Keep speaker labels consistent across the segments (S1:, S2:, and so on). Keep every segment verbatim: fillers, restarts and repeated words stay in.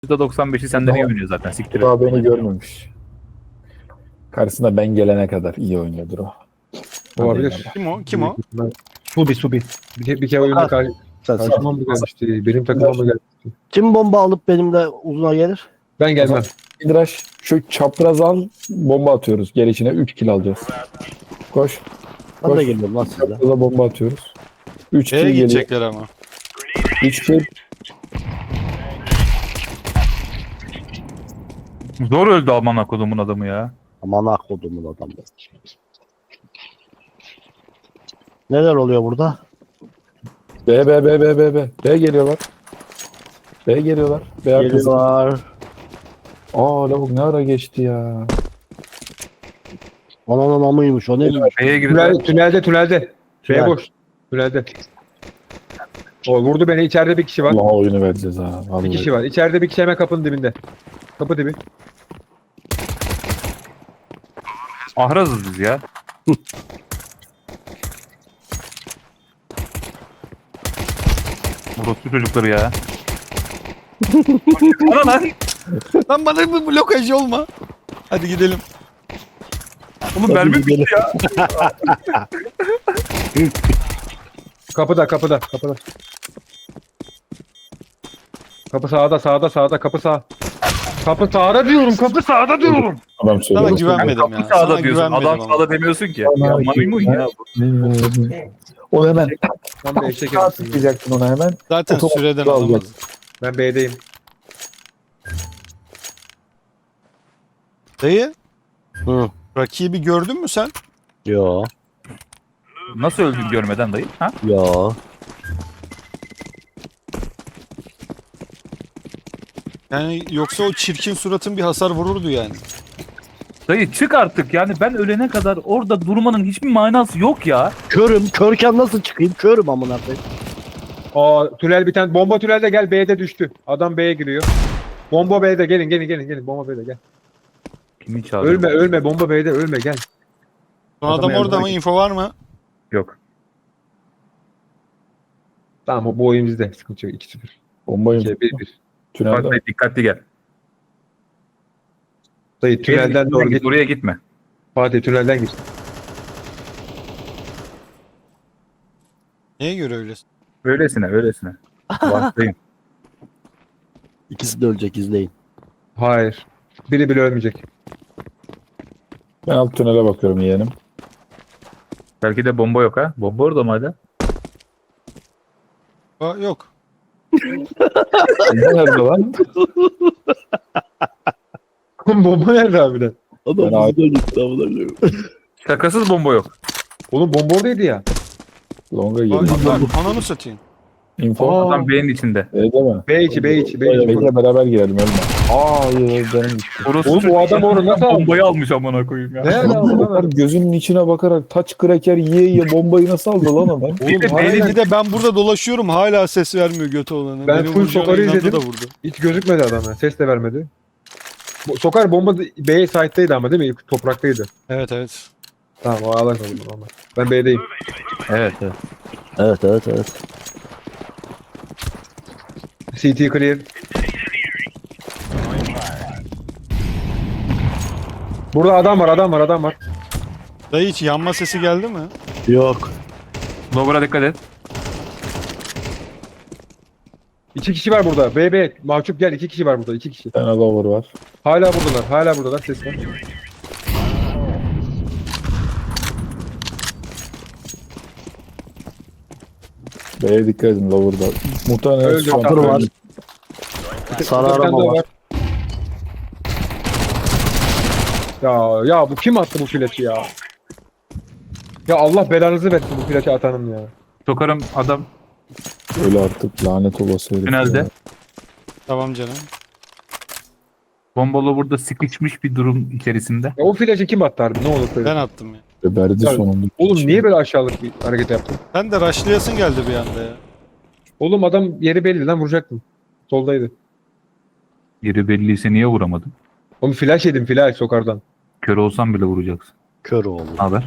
S1: yüzde doksan beşi senden iyi oynuyor zaten. Siktir et.
S2: Daha beni görmemiş. Karşısında ben gelene kadar iyi oynuyordur o.
S3: Olabilir.
S2: Hadi
S4: Kim o? Kim o?
S3: Subi Subi. Bir, ke- bir kere oyunda karşı,
S5: Sen, sen.
S3: karşıma mı gelmişti? Benim takıma mı gelmişti?
S5: Kim bomba alıp benimle uzuna gelir?
S3: Ben gelmem.
S2: İdraş şu çapraz al, bomba atıyoruz. Gelişine üç kill alacağız. Koş.
S5: Ben
S2: Koş.
S5: de geliyorum lan sizle.
S2: Çapraza bomba atıyoruz. üç kill
S4: Şeye
S2: geliyor.
S4: gidecekler ama.
S2: üç kill.
S1: Zor öldü aman kodumun adamı ya.
S5: Aman akodumun adamı. Neler oluyor burada?
S2: B B B B B B. B geliyorlar. B geliyorlar. B arkası.
S5: Geliyorlar.
S2: Aa lavuk ne ara geçti ya.
S5: Ananın amıymış o neymiş?
S1: B'ye
S3: Tünel,
S1: girdi.
S3: tünelde tünelde. Şeye
S5: Tünel.
S3: boş. Tünelde. O vurdu beni. İçeride bir kişi var.
S2: Allah oyunu vereceğiz ha.
S3: Bir
S2: Vallahi.
S3: kişi var. İçeride bir kişi hemen kapının dibinde. Kapı dibi.
S1: Ahrazız biz ya. Orospu çocukları ya. Bana lan.
S4: Lan bana bu blokaj olma. Hadi gidelim.
S1: Oğlum mermi bitti
S5: gidelim.
S1: ya.
S3: Kapıda kapıda kapıda. Kapı sağda sağda sağda kapı sağ. Kapı sağda diyorum. Kapı sağda diyorum.
S2: Adam
S4: Sana
S2: söylüyor.
S4: güvenmedim ya.
S1: Kapı sağda
S4: Sana
S1: diyorsun.
S4: güvenmedim
S1: Adam
S4: ama.
S1: sağda demiyorsun ki.
S2: Bana
S1: Ya
S2: kim-
S1: maymun ya.
S2: O hemen
S3: Ben
S2: tak
S3: bir eşek
S2: sağa
S3: yapmışım.
S2: tıklayacaksın ona hemen.
S4: Zaten
S2: Otomatik
S4: süreden
S2: alacak.
S4: alamaz.
S3: Ben B'deyim.
S4: Dayı,
S5: Hı.
S4: rakibi gördün mü sen?
S5: Yo.
S1: Nasıl öldün görmeden dayı? Ha?
S5: Yo.
S4: Yani yoksa o çirkin suratın bir hasar vururdu yani.
S1: Dayı çık artık yani ben ölene kadar orada durmanın hiçbir manası yok ya.
S5: Körüm. Körken nasıl çıkayım? Körüm amına koyayım.
S3: Aa tünel bir tane. Bomba tünelde gel. B'de düştü. Adam B'ye giriyor. Bomba B'de. Gelin gelin gelin gelin. Bomba B'de gel.
S1: Kimi çağırdı?
S3: Ölme ölme. Bomba B'de ölme gel.
S4: Son
S3: Adama
S4: adam orada
S3: yardıma
S4: mı?
S3: git.
S4: Info var mı?
S1: Yok.
S3: Tamam bu, bu oyun bizde. Sıkıntı yok. iki sıfır.
S2: Bombayı
S3: iki bir bir.
S2: tünelde.
S1: Bak dayı dikkatli gel.
S3: Dayı tünelden doğru git.
S1: Oraya gitme.
S3: Fatih tünelden git.
S4: Neye göre öylesin?
S1: Öylesine öylesine. Vaktayım.
S5: İkisi de ölecek izleyin.
S3: Hayır. Biri bile ölmeyecek.
S2: Ben alt tünele bakıyorum yeğenim.
S1: Belki de bomba yok ha. Bomba orada mı hala?
S4: Aa, yok.
S2: Bomba nerede lan?
S3: Bomba nerede harbiden?
S2: Ben
S5: Adam bizden gitti amına koyayım.
S1: Şakasız bomba yok.
S3: Oğlum bomba oradaydı ya.
S2: Longa
S4: Aa,
S2: girdim.
S4: lan, ananı satayım.
S2: Info.
S3: Aa.
S1: Adam B'nin içinde.
S2: Evde mi?
S3: B içi B içi B içi.
S2: Bekle beraber girelim ölme. Aa canım gitti.
S1: Orası
S3: Oğlum, o adam orada nasıl aldı?
S1: bombayı almış amına koyayım ya.
S3: Ne ala
S2: Onlar gözünün içine bakarak taç kraker yiye yiye bombayı nasıl aldı lan adam?
S4: Oğlum
S1: de
S4: hala
S1: beyni-
S4: bir de ben burada dolaşıyorum hala ses vermiyor götü olanı.
S3: Ben
S4: Beni
S3: full
S4: vuracağına
S3: sokarı
S4: inandı
S3: izledim.
S4: da vurdu.
S3: Hiç gözükmedi adam ya. Ses de vermedi. Bu- Sokar bomba B site'daydı ama değil mi? Topraktaydı.
S4: Evet evet.
S3: Tamam o alan kaldı. Ama. Ben B'deyim.
S1: Evet evet.
S5: Evet evet evet.
S3: C T clear. Burada adam var adam var adam var.
S4: Dayı hiç yanma sesi geldi mi?
S5: Yok.
S1: Lower'a dikkat et.
S3: İki kişi var burada. B B. Mahcup gel. iki kişi var burada. iki kişi.
S2: Bir tane lover var.
S3: Hala buradalar. Hala buradalar. Ses var.
S2: B'ye dikkat edin lover'da. Muhtemelen
S3: Öldü.
S2: son-
S5: Kapır var.
S3: Bir
S5: Sarı
S3: tane
S5: arama
S3: daha
S5: var.
S3: Ya ya bu kim attı bu flaşı ya? Ya Allah belanızı versin bu flaşı atanın ya.
S1: Sokarım adam
S2: Öyle artık lanet olası herif.
S1: Tünelde.
S2: ya.
S4: Tamam canım.
S1: bombalı burada sıkışmış bir durum içerisinde.
S3: Ya o flaşı kim attı harbi? Ne olur söyle.
S4: Ben attım ya.
S2: Geberdi
S3: Ya,
S2: sonunda.
S3: Oğlum niye böyle aşağılık bir hareket yaptın?
S4: Sen de rushlayasın geldi bir anda ya.
S3: Oğlum adam yeri belli lan vuracaktım. Soldaydı.
S1: Yeri belliyse niye vuramadın?
S3: Oğlum flash yedim flash sokardan.
S1: Kör olsan bile vuracaksın.
S5: Kör oğlum.
S1: Ne haber?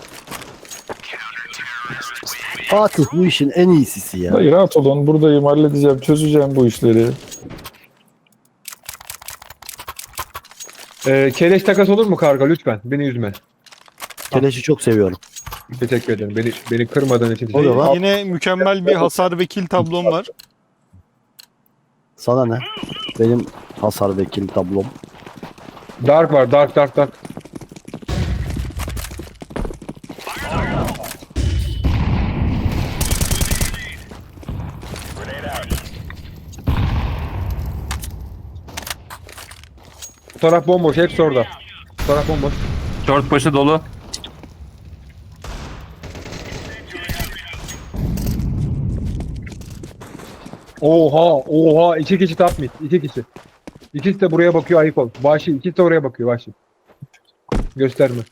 S5: Fatih bu işin en iyisisi ya.
S2: Hayır rahat olun buradayım halledeceğim çözeceğim bu işleri.
S3: Ee, keleş takas olur mu karga lütfen? Beni üzme.
S5: Keleşi çok seviyorum.
S3: Teşekkür ederim. Beni beni kırmadığın için.
S5: Oluyor lan.
S4: Yine mükemmel bir hasar ve kill tablom var.
S5: Sana ne? Benim hasar ve kill tablom.
S3: Dark var. Dark dark dark. Bu taraf bomboş. Hepsi orada. Bu taraf bomboş.
S1: Short başı dolu.
S3: Oha oha. İki kişi top mid. İki kişi. İkisi de buraya bakıyor. Ayık ol. Vahşi. İkisi de oraya bakıyor. Vahşi. Gösterme.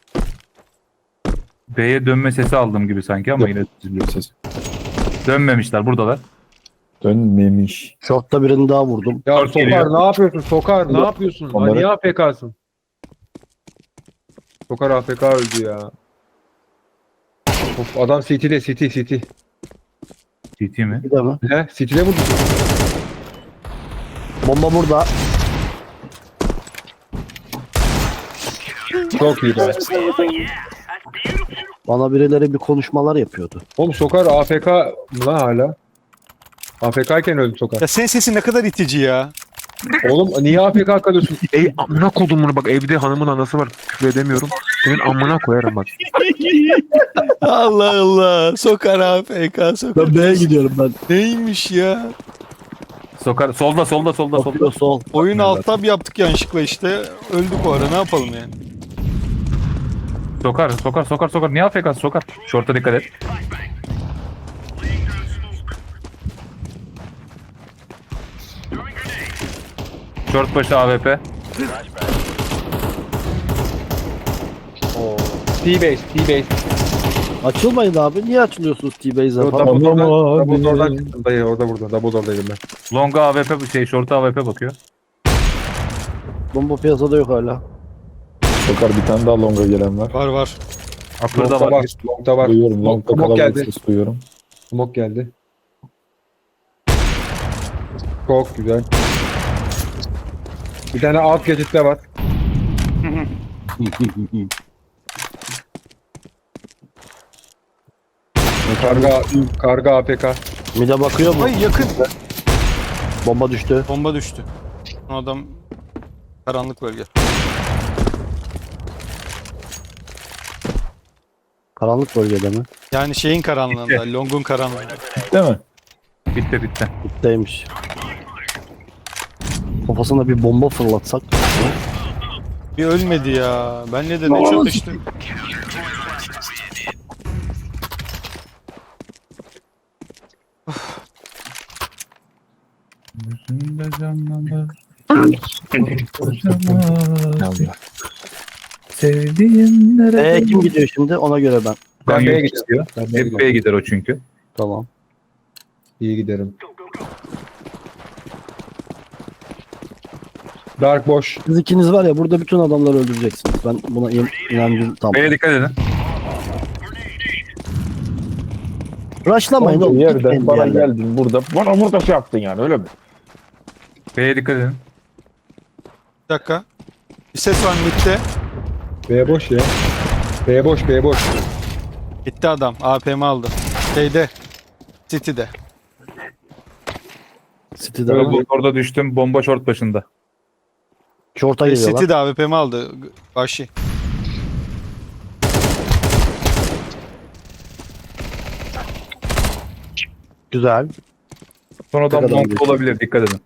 S1: B'ye dönme sesi aldım gibi sanki ama yine
S2: Ses.
S1: dönmemişler, buradalar.
S2: Dönmemiş.
S5: Short'ta birini daha vurdum.
S3: Ya
S1: Dark
S3: Sokar
S1: geliyor.
S3: ne yapıyorsun? Sokar ne
S2: Onları-
S3: yapıyorsun? Ha,
S2: onları-
S3: niye A F K'sın? Sokar A F K öldü ya. Of, adam City'de City City.
S1: T T mi?
S5: Bir de mi?
S3: He? City'de vurdu.
S5: Bomba burada.
S3: Çok iyi be.
S5: Bana birileri bir konuşmalar yapıyordu.
S3: Oğlum Sokar A F K mı lan hala? A F K iken öldü Sokar.
S4: Ya senin sesin ne kadar itici ya.
S3: Oğlum niye A F K kalıyorsun? Ey amına kodumunu bak evde hanımın anası var. Küfür edemiyorum. Senin amına koyarım bak.
S4: Allah Allah. Sokar A F K sokar.
S5: Ben B'ye gidiyorum ben.
S4: Neymiş ya?
S1: Sokar, solda solda solda solda.
S5: Bakıyor sol.
S4: Oyun alt tab yaptık yanlışlıkla işte. Öldük o ara, ne yapalım yani?
S1: Sokar, sokar, sokar, sokar. Niye A F K'sın sokar? Short'a dikkat et. Short başı A W P.
S3: T-base T-base.
S5: Açılmayın abi. Niye açılıyorsunuz T-Base'e
S3: Yo,
S5: falan?
S3: Double door'dan,
S2: Tamam abi.
S3: double door'dan çıktım dayı orada burada. Double door'daydım ben.
S1: Long'a A W P, şey short'a A W P bakıyor.
S5: Bomba piyasada yok hala.
S2: Sokar bir tane daha longa gelen var.
S4: Var var.
S1: Upper'da
S3: Long'da
S1: var.
S3: var. Long'da var.
S2: Duyuyorum. Long'da
S3: Smoke
S2: kalabalık
S3: geldi.
S2: ses duyuyorum.
S3: Smoke geldi. Çok güzel. Bir tane alt geçitte var. Karga, karga A P K.
S5: Mide bakıyor mu?
S4: Ay yakın.
S5: Bomba düştü.
S4: Bomba düştü. O adam karanlık bölge.
S5: Karanlık bölgede mi?
S4: Yani şeyin karanlığında, Long'un karanlığında.
S2: Değil mi?
S1: Bitti bitti.
S5: Bitteymiş. Kafasına bir bomba fırlatsak.
S4: Bir ölmedi ya. Ben ne de ne çatıştı.
S1: Gözümde canlanır. Sevdiğimlere.
S5: Eee kim gidiyor şimdi? Ona göre ben.
S3: Ben
S1: Ben
S3: B'ye
S1: B'ye
S3: gidiyorum.
S1: gidiyor.
S3: Ben B'ye
S1: Hep B'ye gider o çünkü.
S5: Tamam.
S3: İyi giderim. Dark boş.
S5: Siz ikiniz var ya burada bütün adamları öldüreceksiniz. Ben buna in inancım tam.
S1: B'ye dikkat edin.
S5: Rushlamayın
S2: Olduğu
S5: oğlum.
S2: yerde
S5: gitmeyin
S2: bana
S5: bir yerden.
S2: geldin burada. Bana burada şey yaptın yani öyle mi?
S1: B'ye dikkat edin.
S4: Bir dakika. Bir ses var midde.
S3: B boş ya. B boş, B boş.
S4: Gitti adam. A P M aldı. Şeyde. City'de.
S5: City'de
S1: Böyle
S5: ama
S1: orada düştüm. Bomba short başında.
S5: short'a geliyorlar.
S4: City'de A W P M aldı. Vahşi.
S5: Güzel.
S1: Son adam
S5: kadar
S1: long
S5: geçti.
S1: olabilir. Dikkat edin.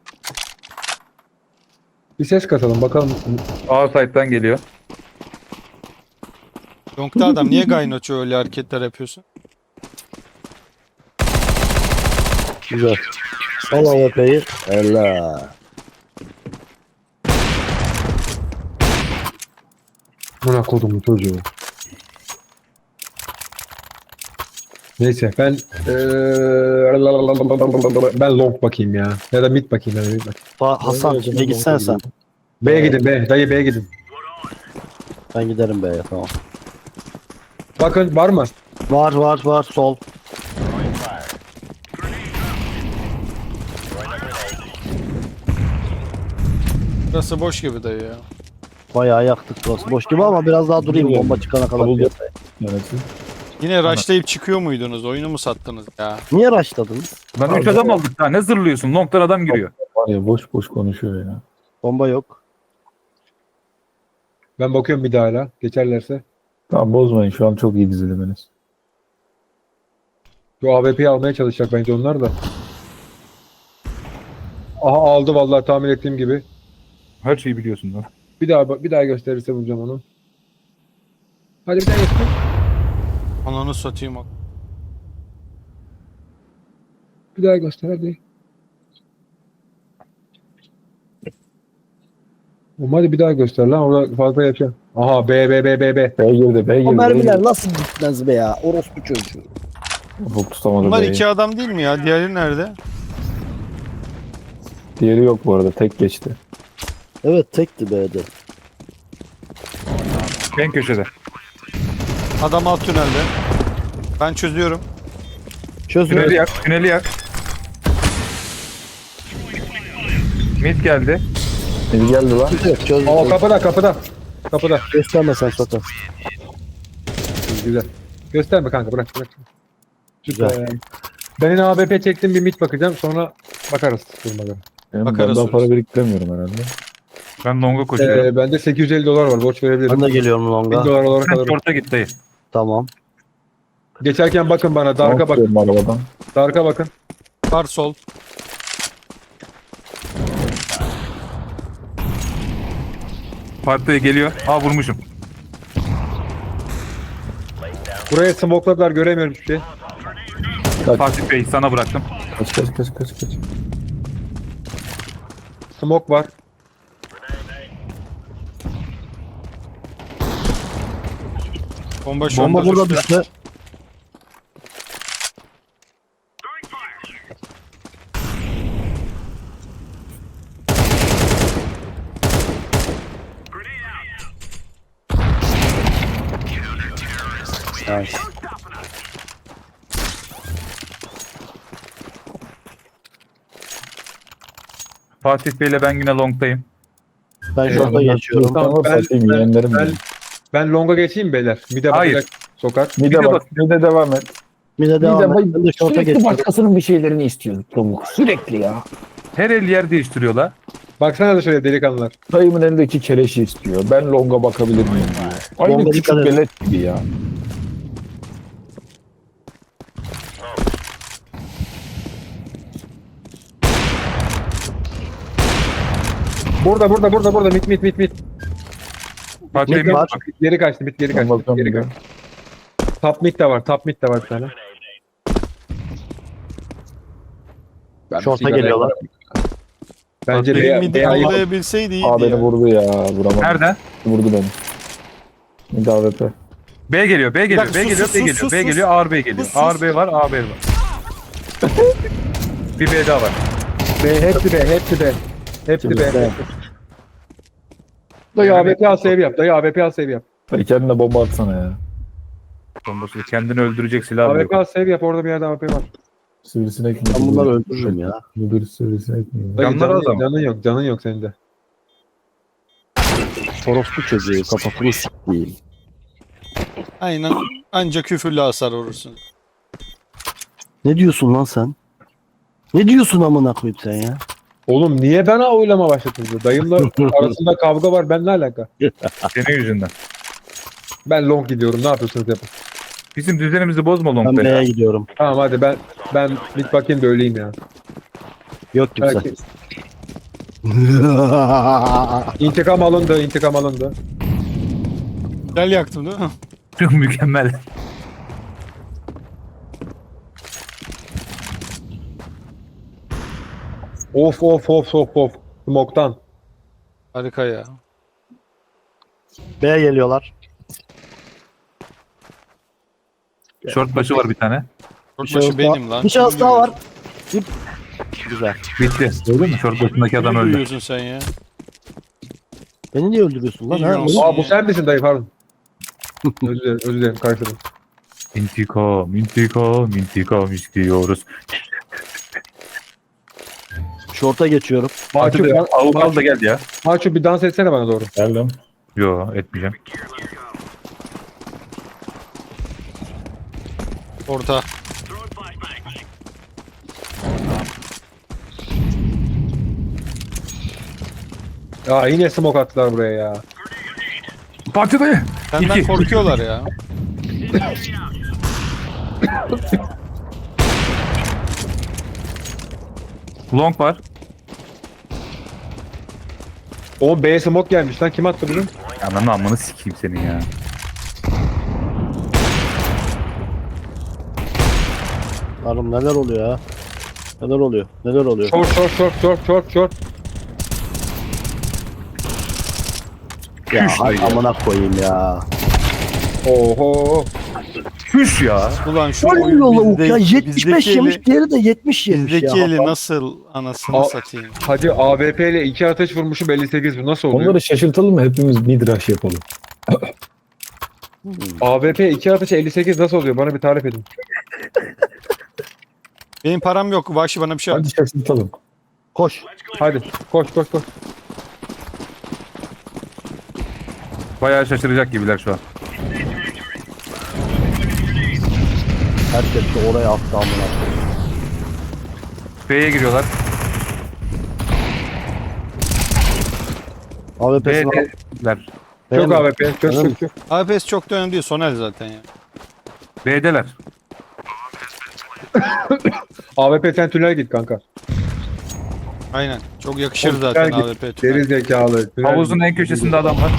S3: Bir ses katalım bakalım.
S1: A side'dan geliyor.
S4: Long'da adam. Niye Gaynoç'u öyle hareketler yapıyorsun?
S5: Güzel. Al A W P'yi. Ella.
S3: Buna kodumun çocuğu. Neyse ben eee, ben long bakayım ya. Ya da mid bakayım ya da mid bakayım.
S5: Fa- Hasan ne gitsen sen.
S3: B'ye gidin B. Dayı B'ye gidin.
S5: Ben giderim B'ye tamam.
S3: Bakın var mı?
S5: Var var var sol.
S4: Burası boş gibi dayı ya.
S5: Bayağı yaktık burası. Boş gibi ama biraz daha durayım bomba çıkana kadar.
S2: Kabul
S5: piyasaya.
S2: Yönetim.
S4: Yine rushlayıp çıkıyor muydunuz? Oyunu mu sattınız ya?
S5: Niye rushladınız?
S1: Lan üç adam aldık daha ne zırlıyorsun? Long'dan adam giriyor.
S2: Var ya boş boş konuşuyor ya.
S5: Bomba yok.
S3: Ben bakıyorum bir daha hala. Geçerlerse.
S2: Tamam bozmayın şu an çok iyi diziliminiz.
S3: Şu A W P'yi almaya çalışacak bence onlar da. Aha aldı vallahi tahmin ettiğim gibi.
S1: Her şeyi biliyorsun lan.
S3: Bir daha bir daha gösterirse vuracağım onu. Hadi bir daha göster.
S4: Ananı satayım.
S3: Bir daha göster hadi. Oğlum hadi bir daha göster lan orada fazla yapacağım. Aha B B B B B.
S2: B girdi B girdi.
S5: O
S2: B
S5: mermiler
S2: girdi.
S5: nasıl gitmez be ya? Orospu çocuğu.
S2: Ufuk tutamadı
S4: Bunlar
S2: B'yi.
S4: iki adam değil mi ya? Diğeri nerede?
S2: Diğeri yok bu arada tek geçti.
S5: Evet tekti B'de.
S1: En köşede.
S4: Adam alt tünelde. Ben çözüyorum.
S5: Çözün.
S1: Tüneli yak. Tüneli yak. Mid geldi.
S2: Biri geldi lan.
S5: Çöz. Çöz.
S3: Aa kapıda kapıda. Kapıda.
S5: Gösterme sen Sota.
S3: Güzel. Gösterme kanka bırak bırak.
S5: Güzel.
S3: Süper. Ben yine A W P çektim bir mit bakacağım sonra bakarız durmadan.
S2: Benim
S4: Bakarız
S2: ben daha para
S4: sonra.
S2: biriktiremiyorum herhalde.
S1: Ben Long'a koşuyorum.
S3: Ee, bende sekiz yüz elli dolar var borç verebilirim.
S5: Ben de geliyorum
S3: bin
S5: longa.
S3: dolar olarak
S1: Sen
S3: alırım.
S1: short'a git dayı.
S5: Tamam.
S3: Geçerken bakın bana Dark'a bakın.
S2: Bakıyorum arabadan.
S3: Dark'a bakın.
S4: Var sol.
S1: Partiye geliyor. Aa vurmuşum.
S3: Buraya smokladılar göremiyorum hiçbir şey.
S1: Fatih Bey sana bıraktım.
S2: Kaç kaç kaç kaç kaç.
S3: Smoke var.
S4: Bomba şu
S5: Bomba
S4: anda
S5: burada
S4: düştü.
S5: düştü. Nice.
S1: Fatih Bey'le ben yine Long'dayım.
S5: Ben
S3: Ee,
S5: şurada geçiyorum.
S3: Tamam,
S2: Tamam
S3: ben-
S2: satayım
S3: ben-
S2: yeğenlerim.
S3: ben-
S2: benim.
S3: Ben longa geçeyim beyler. Mide
S1: Hayır.
S3: bakacak sokar.
S2: Bir
S1: Bir
S2: de
S1: de
S2: bak.
S1: bak.
S2: Bir de devam et.
S5: Bir de devam et. Ben de şorta
S2: Sürekli
S5: geçiyorum.
S2: başkasının bir şeylerini istiyor Pamuk. Sürekli ya.
S1: Her el yer değiştiriyorlar.
S3: Baksana da şöyle delikanlılar.
S2: Dayımın elindeki keleşi istiyor. Ben longa bakabilir miyim diyor. Aynı
S5: Longa
S2: küçük
S5: dikkat edin.
S2: belet gibi ya.
S3: Burada burada burada burada mit mit mit mit.
S1: Fatih Bey
S5: Mid
S1: mid
S5: var.
S1: bak.
S3: Geri kaçtı mit geri
S2: Ben
S3: kaçtı.
S2: bakıyorum
S3: Geri
S2: bir de.
S3: kaçtı. Top mid de var. Top mid de var bir tane. Ben
S5: Şorta
S3: bir sigara
S5: geliyorlar.
S3: yaparım. Bence
S4: Benim
S3: B,
S4: midi
S3: B, ayıp.
S4: yakalayabilseydi iyiydi
S2: Aa beni
S4: ya.
S2: vurdu ya. Vuramadım.
S1: Nerede?
S2: Vurdu beni. Bir daha A W P.
S1: B geliyor, B geliyor,
S4: dakika,
S1: B
S4: sus,
S1: geliyor,
S4: sus,
S1: B
S4: sus,
S1: geliyor,
S4: sus,
S1: B
S4: sus.
S1: geliyor, ağır B geliyor.
S4: Sus, sus.
S1: Ağır B var, A B var. Bir B daha var.
S3: B, hepsi B, hepsi B. Hepsi
S5: Şimdi
S3: B.
S5: B.
S3: Dayı A W P al save yap. Dayı A W P al save yap.
S2: Dayı kendine bomba atsana ya.
S1: Bombası kendini öldürecek silah
S3: A W
S1: yok.
S3: P al save yap. Orada bir yerde A W P var.
S2: Sivrisinek mi?
S5: Ben bunları öldürürüm ya.
S2: Müdür sivrisinek mi?
S3: Dayı
S1: Canları
S3: canın,
S1: az ama.
S3: canın yok. Canın yok senin de.
S5: Orospu çocuğu kafasını siktiğim.
S4: Aynen. Anca küfürlü hasar vurursun.
S5: Ne diyorsun lan sen? Ne diyorsun amına koyayım sen ya?
S3: Oğlum niye bana oylama başlatıldı? Dayımla arasında kavga var. Ben ne alaka?
S1: Senin yüzünden.
S3: Ben long gidiyorum. Ne yapıyorsunuz yapın.
S1: Bizim düzenimizi bozma
S5: Ben
S1: Long'da ya.
S5: B'ye gidiyorum.
S3: Tamam hadi ben ben bir bakayım da öleyim ya.
S5: Yok kimse.
S3: Belki intikam alındı, intikam alındı.
S4: Gel yaktım değil mi?
S1: Çok mükemmel.
S3: Of of of of of. Smoke'tan.
S4: Harika ya.
S5: B'ye geliyorlar.
S1: Short başı var bir tane.
S4: Short
S5: şahıs
S4: başı
S5: daha-
S4: benim lan.
S5: Bir şahıs daha var. Dip. Güzel.
S1: Bitti. Öyle mi? Short başındaki adam
S4: Ne
S1: öldü.
S4: duyuyorsun sen ya?
S5: Beni niye öldürüyorsun lan? Ha?
S4: Bilmiyorum.
S3: Aa bu sen misin dayı pardon. özür dilerim, özür dilerim karşıladım.
S1: İntikam, intikam, intikam istiyoruz.
S5: Şorta geçiyorum.
S1: Fatih
S3: Maço,
S1: Bey, Avukal da geldi ya.
S3: Maço bir dans etsene bana doğru.
S2: Geldim.
S1: Yo, etmeyeceğim.
S4: Orta.
S3: Ya yine smoke attılar buraya ya.
S1: Fatih dayı.
S4: Senden
S1: İki.
S4: korkuyorlar ya.
S1: Long var.
S3: O B smoke gelmiş lan. Kim attı bunu?
S1: Ananı amını sikeyim senin ya.
S5: Hanım neler oluyor ya? Neler oluyor? Neler oluyor?
S3: Short short short short short short.
S5: Ya
S1: Küş
S5: hay
S1: dayı.
S5: amına koyayım ya.
S3: Oho.
S1: Küş ya.
S4: Ulan şu
S5: Oyun
S4: oyun
S5: yolu
S4: bizde-
S5: ya yetmiş beş
S4: bizdeki
S5: yemiş,
S4: eli-
S5: diğeri de yetmiş yemiş
S4: Bizdeki
S5: ya.
S4: eli nasıl anasını
S3: Al-
S4: satayım.
S3: Hadi A W P ile iki atış vurmuşum elli sekiz bu nasıl oluyor?
S2: Onları şaşırtalım mı? Hepimiz midrash yapalım.
S3: A W P iki atış elli sekiz nasıl oluyor? Bana bir tarif edin.
S4: Benim param yok. Vahşi bana bir şey at.
S2: Hadi şaşırtalım.
S5: Koş.
S3: Hadi koş koş koş.
S1: Bayağı şaşıracak gibiler şu an.
S5: Herkes de oraya attı amına koyayım.
S1: B'ye giriyorlar.
S5: A W P'sini al.
S1: B'deler.
S3: Çok A W P. Çok
S5: Öyle mi?
S3: çok çok.
S4: A P S çok da önemli değil. Sonel zaten ya.
S1: B'deler.
S3: A W P sen tünel git kanka.
S4: Aynen. Çok yakışır
S3: Oğlum,
S4: zaten
S3: tünel
S4: A
S3: git.
S4: W P tünel.
S3: Deri zekalı. Tünel
S1: Havuzun
S3: git.
S1: en köşesinde adam var.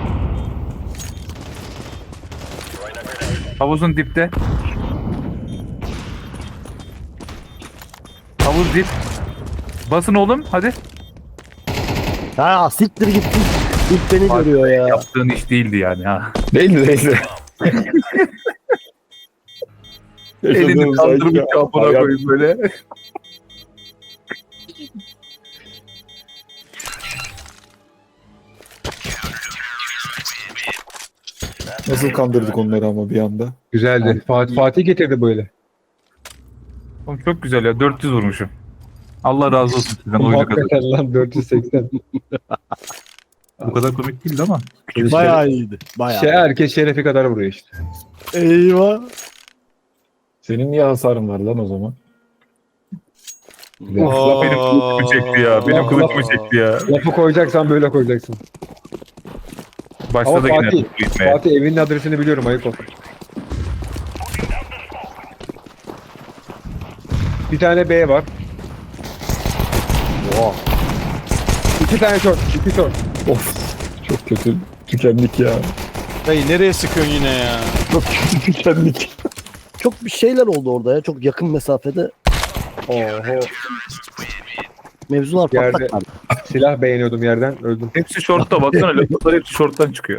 S1: Havuzun dipte. Havuz dip. Basın oğlum hadi.
S5: Ha siktir git. İlk beni
S1: Bak,
S5: görüyor ya.
S1: Yaptığın iş değildi yani ha.
S2: Değildi değildi.
S1: Elini kaldırmış kapına koyup böyle.
S2: Nasıl kandırdık onları ama bir anda.
S3: Güzeldi. Fatih, Fatih getirdi böyle.
S1: Oğlum çok güzel ya. dört yüz vurmuşum. Allah razı olsun sizden oyunu kadar.
S3: Hakikaten lan dört yüz seksen.
S1: Bu kadar komik değildi ama.
S5: Bayağı iyiydi. Bayağı.
S3: Şey herkes şerefi kadar vuruyor işte.
S5: Eyvah.
S2: Senin niye hasarın var lan o zaman?
S1: Of, benim kılıç mı çekti ya? Benim kılıç mı çekti ya?
S3: Lafı koyacaksan böyle koyacaksın.
S1: Başladı
S3: Ama
S1: yine
S3: Fatih,
S1: bu gitmeye.
S3: Fatih evinin adresini biliyorum ayıp olsun. Bir tane B var.
S5: Oha.
S3: İki tane short. iki short.
S2: Of. Çok kötü. Tükendik ya.
S4: Dayı nereye sıkıyorsun yine ya?
S2: Çok kötü tükendik.
S5: Çok bir şeyler oldu orada ya. Çok yakın mesafede
S3: Oho.
S5: mevzular
S3: Yerde-
S5: patlak vardı.
S3: Silah beğeniyordum yerden öldüm.
S1: Hepsi shortta baksana. Laflar hepsi shorttan çıkıyor.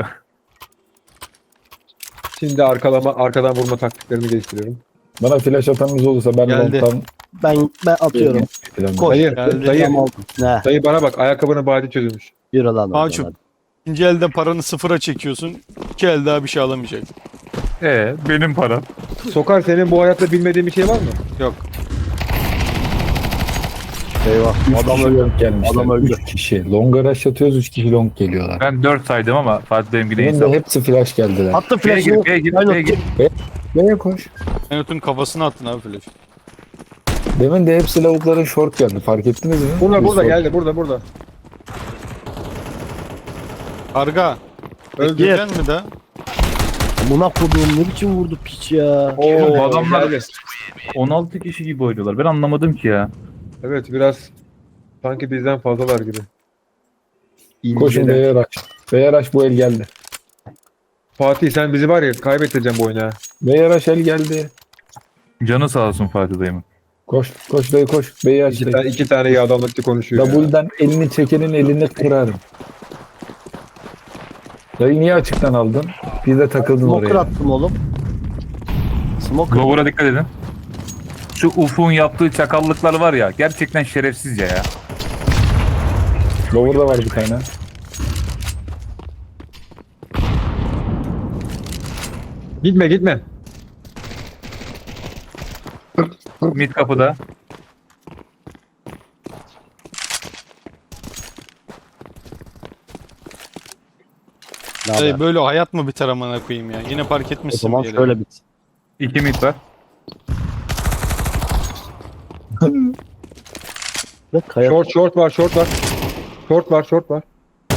S3: Şimdi arkalama, arkadan vurma taktiklerimi geliştiriyorum.
S2: Bana flash atanınız olursa ben
S4: Geldi.
S2: long'tan
S5: Ben ben atıyorum.
S2: falan.
S5: Koş.
S3: Dayı,
S4: geldi.
S3: dayı,
S5: Tamam aldım. Ne?
S3: dayı bana bak ayakkabının badi çözülmüş.
S5: Yürü lan. oradan
S4: Ağaçım.
S5: hadi.
S4: İkinci elde paranı sıfıra çekiyorsun. İki el daha bir şey alamayacak.
S1: Ee, benim param.
S3: Sokar senin bu hayatta bilmediğin bir şey var mı?
S4: Yok.
S5: Eyvah.
S2: Üç
S5: Adam
S2: kişi
S5: öldü.
S2: long gelmişler.
S5: Adam öldü.
S2: Üç kişi. Long rush atıyoruz. Üç kişi long geliyorlar.
S1: Ben dört saydım ama Fatih benimki
S2: Benim
S1: neyse.
S2: de hepsi flash geldiler.
S5: Attı
S1: B'ye
S5: flash'ını.
S1: gir, B'ye gir,
S5: Aynen.
S1: B'ye gir.
S2: B'ye koş.
S4: Enot'un kafasına attın abi flash.
S2: Demin de hepsi lavukların short geldi. Fark ettiniz mi?
S3: Burada
S2: Bir
S3: burada
S2: short.
S3: geldi burada burada.
S4: Karga.
S3: Öldü.
S4: Öldüreceksin mi de?
S5: Buna koduğum ne biçim vurdu piç ya.
S1: Oğlum, bu
S3: Oo,
S1: adamlar-
S3: geldi.
S1: on altı kişi gibi oynuyorlar. Ben anlamadım ki ya.
S3: Evet biraz sanki bizden fazlalar gibi.
S2: Koşun
S3: İnceden.
S2: B'ye rush. B'ye rush bu el geldi.
S3: Fatih sen bizi var ya kaybettireceğim bu oyunu ha.
S2: B'ye rush el geldi.
S1: Canı sağ olsun Fatih dayımın.
S2: Koş. Koş dayı koş. B'yi aç
S3: İki,
S2: dayı.
S3: tane, iki tane yağdanlıklı konuşuyor ya.
S2: Double'dan elini çekenin elini kırarım. Dayı niye açıktan aldın? Bir de takıldın
S5: Smoker
S2: oraya.
S5: attım oğlum. Smoker.
S1: Lower'a dikkat edin. Şu Ufuk'un yaptığı çakallıklar var ya. Gerçekten şerefsizce ya.
S2: Lower'da var bir tane.
S3: Gitme gitme.
S1: Mid kapıda.
S5: Ne
S4: Dayı
S5: haber?
S4: böyle hayat mı biter amına koyayım ya? Yine park
S5: O
S4: etmişsin
S5: zaman
S4: bir yere.
S5: şöyle bit.
S1: İki mid var.
S5: Ve kaya
S3: Short short var short var. Short var short var.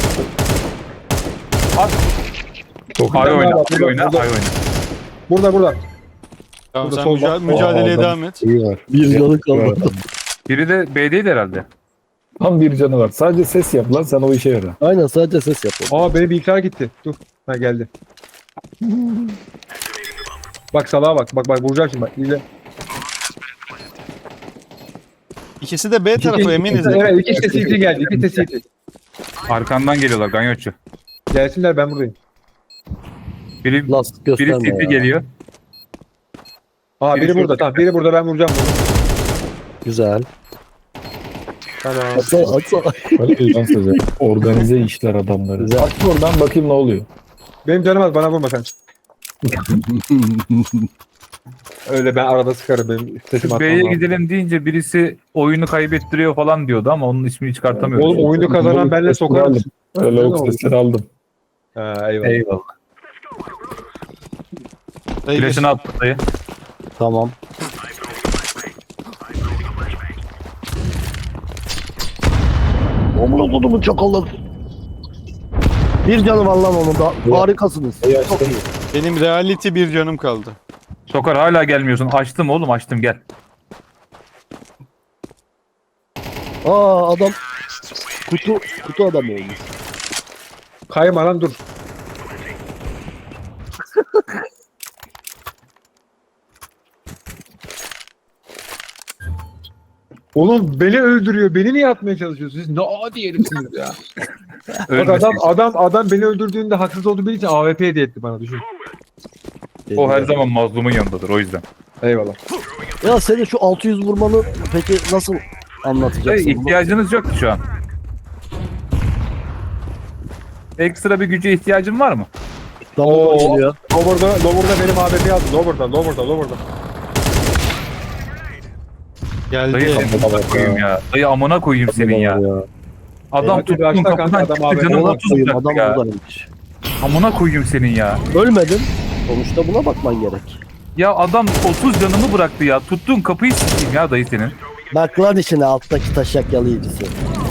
S2: Çok
S1: Ay
S3: Burada,
S1: oyna,
S3: burada,
S1: ay oyna,
S3: burada.
S1: ay oyna.
S3: Burada burada.
S4: Tamam
S3: Burada
S4: sen
S3: sol
S4: müca-
S3: bak.
S4: mücadeleye
S2: Aa,
S4: devam et.
S2: iyi var.
S5: bir canı
S2: Var.
S5: kalmadı.
S1: Biri de B'deydi herhalde.
S2: Tam bir canı var. Sadece ses yap lan, sen o işe yara.
S5: Aynen sadece ses yapalım.
S3: Aa benim bilgisayar gitti. Dur. Ha geldi. Bak salağa bak. Bak bak vuracağım şimdi bak. İzle.
S4: İkisi de B tarafı
S3: İki-
S4: eminiz.
S3: Evet iki de C T geldi. İki de C T.
S1: Arkandan geliyorlar Ganyotçu.
S3: Gelsinler ben buradayım.
S1: Biri,
S5: Last
S1: biri
S5: gösterme
S1: City
S5: ya.
S1: geliyor.
S3: Aa
S1: Biri
S3: biri
S1: şurada.
S3: burada. Tamam biri burada ben vuracağım bunu.
S5: Güzel.
S3: Tamam.
S5: Atla atla.
S2: Öyle lan size. Organize işler adamları.
S5: Güzel.
S2: Aç oradan bakayım ne oluyor.
S3: Benim canım az bana vurma sen. Öyle ben arada sıkarım benim sesim atmam
S1: B'ye
S3: lazım.
S1: gidelim deyince birisi oyunu kaybettiriyor falan diyordu ama onun ismini çıkartamıyoruz.
S3: Oğlum oyunu kazanan benle sokarım.
S2: Öyle yok sesleri aldım.
S3: Ha eyvallah.
S1: Eyvallah.
S4: Dayı
S1: Flash'ını attı dayı.
S5: Tamam. Omur kodumun çakalları. Bir canım var lan onun da.
S2: Ya.
S5: Harikasınız.
S2: İyi
S5: Çok
S2: açtın.
S5: iyi.
S4: benim reality bir canım kaldı.
S1: Sokar hala gelmiyorsun. Açtım oğlum açtım gel.
S5: Aa adam kutu kutu adam olmuş.
S3: Kayma lan dur. Oğlum beni öldürüyor. Beni niye atmaya çalışıyorsunuz? Siz ne adi herifsiniz ya. Bak
S1: Ölmesin.
S3: adam adam adam beni öldürdüğünde haksız olduğu bildiği için A W P hediye etti bana düşün.
S1: O her zaman mazlumun yanındadır o yüzden.
S3: Eyvallah.
S5: Ya senin şu altı yüz vurmanı peki nasıl
S1: Dayı,
S5: anlatacaksın bunu?
S1: ihtiyacınız yok şu an. Ekstra bir güce ihtiyacın var mı?
S5: Double
S3: Oo.
S5: geliyor.
S3: Lower'da, Lower'da benim A W P'yi aldı. Lower'da, Lower'da, Lower'da.
S1: Dayı
S4: Geldi.
S1: amına koyayım ya. Dayı amına koyayım senin ya. Adam
S3: Evet,
S1: tuttun
S3: başta
S1: kapıdan
S3: kanka, adam
S1: çıktı
S3: abi.
S1: canım
S5: Ona
S1: otuz
S5: koyayım
S1: uzaktı
S5: adam
S1: ya.
S5: buradaymış.
S1: Amına koyayım senin ya.
S5: Ölmedin. Sonuçta buna bakman gerek.
S1: Ya adam otuz canımı bıraktı ya. Tuttun kapıyı sikeyim ya dayı senin.
S5: Bak lan içine alttaki taşak yalayıcısı.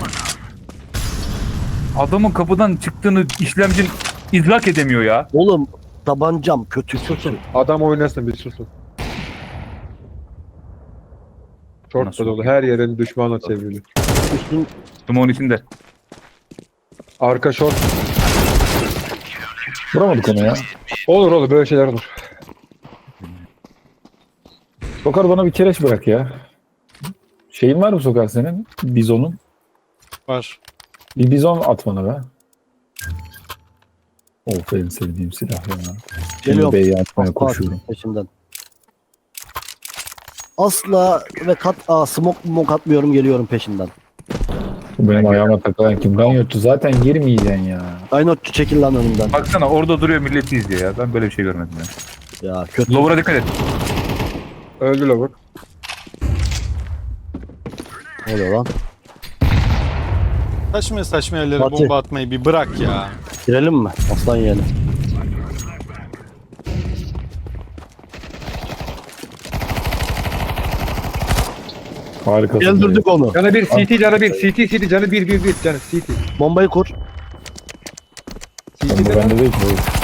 S1: Adamın kapıdan çıktığını işlemcin idrak edemiyor ya.
S5: Oğlum tabancam kötü kötü.
S3: Adam oynasın bir susun. Short
S1: Nasıl?
S3: da dolu. Her yerin düşmanla çevrili.
S5: Üstün
S1: Dumon içinde.
S3: Arka short.
S2: Vuramadık onu ya.
S3: Olur olur böyle şeyler olur.
S2: Sokar bana bir kereç bırak ya. Şeyin var mı Sokar senin? Bizonun.
S4: Var.
S2: Bir bizon at bana be. Of en sevdiğim silah ya.
S5: Geliyorum.
S2: Şimdi B'yi atmaya
S5: asla
S2: koşuyorum.
S5: peşimden. Asla ve kat aa, smoke smoke atmıyorum geliyorum peşinden.
S2: Bu benim ayağıma takılan kim? Ganyotçu zaten girmeyeceksin ya.
S5: Aynotçu çekil lan önümden.
S1: Baksana orada duruyor milleti izliyor ya. Ben böyle bir şey görmedim ya.
S5: Ya kötü.
S1: Lower'a dikkat et.
S3: Öldü Lower.
S5: Ne oluyor lan?
S4: Saçma saçma yerlere
S5: Fatih.
S4: bomba atmayı bir bırak ya.
S5: Girelim mi? Aslan yeğeni.
S2: Harikasın.
S5: Öldürdük onu.
S3: Canı bir, C T canı bir, C T C T canı bir, bir, bir canı C T.
S5: Bombayı kur.
S3: C
S2: Ben de
S3: T'de
S2: bende değil ki.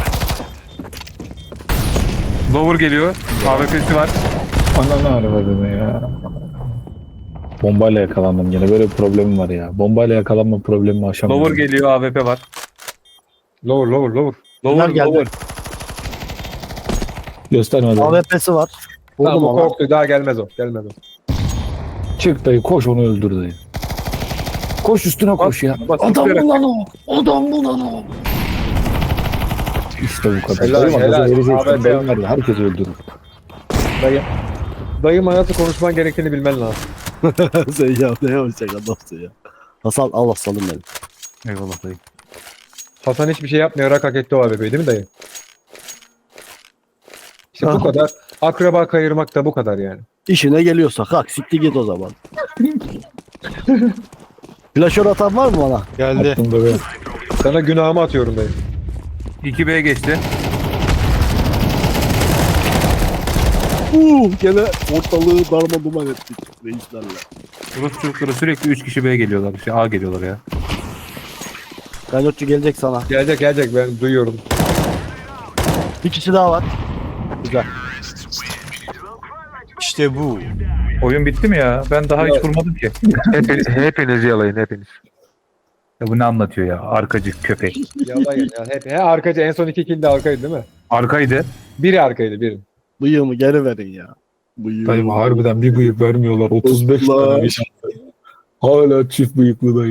S1: Lower geliyor. A W P'si var.
S2: Ananı aramadın ya. Bombayla yakalandım yine. Böyle bir problemim var ya. Bombayla yakalanma problemimi aşamıyorum.
S1: Lower geliyor. A W P var.
S3: Lower, lower, lower.
S1: Lower
S5: geldi.
S1: lower.
S2: Göstermedi.
S5: A W P'si var. Vurdum
S3: Tamam o
S5: ona.
S3: korktu daha gelmez o, gelmez o.
S2: Çık dayı koş onu öldür dayı. Koş üstüne koş ya.
S3: bas,
S2: Adam
S3: üstüne.
S2: mı lan o? Adam mı lan o? İşte bu kadar.
S3: Helal,
S2: Dayı bak,
S3: helal.
S2: gaza vereceksin.
S3: Ahmet
S2: Beyin
S3: ya.
S2: verdi. Herkes öldürür.
S3: Dayı. Dayım hayatı konuşman gerektiğini bilmen lazım.
S5: Sen ya ne yapacak adamsın ya. Hasan al aslanım benim.
S1: Eyvallah dayı.
S3: Hasan hiçbir şey yapmayarak hak etti o A W P'yi değil mi dayı? İşte bu
S5: Ah.
S3: kadar. Akraba kayırmak da bu kadar yani.
S5: İşine geliyorsa kalk siktir git o zaman. Flaşör atan var mı bana?
S4: Geldi.
S2: Aklımda be.
S3: Sana günahımı atıyorum dayı.
S1: iki B geçti.
S5: Uh, gene ortalığı darma duman ettik reislerle.
S1: Rus çocukları sürekli üç kişi B geliyorlar. Şey A geliyorlar ya.
S5: Kaynotçu gelecek sana.
S3: Gelecek gelecek ben duyuyorum.
S5: Bir kişi daha var. Güzel.
S4: İşte bu.
S1: Oyun bitti mi ya? Ben daha hiç
S3: Ya-
S1: vurmadım ki.
S6: Hepiniz, hepinizi yalayın hepiniz.
S1: Ya bu ne anlatıyor ya? Arkacı köpek.
S3: Yalan ya. Hep, he arkacı en son iki kill de arkaydı değil mi?
S1: Arkaydı.
S3: Biri arkaydı biri.
S5: Bıyığımı geri verin ya. Bıyığımı.
S2: Dayım harbiden bir bıyık vermiyorlar. otuz beş
S5: Ulan.
S2: tane bir şans. Hala çift bıyıklı dayı.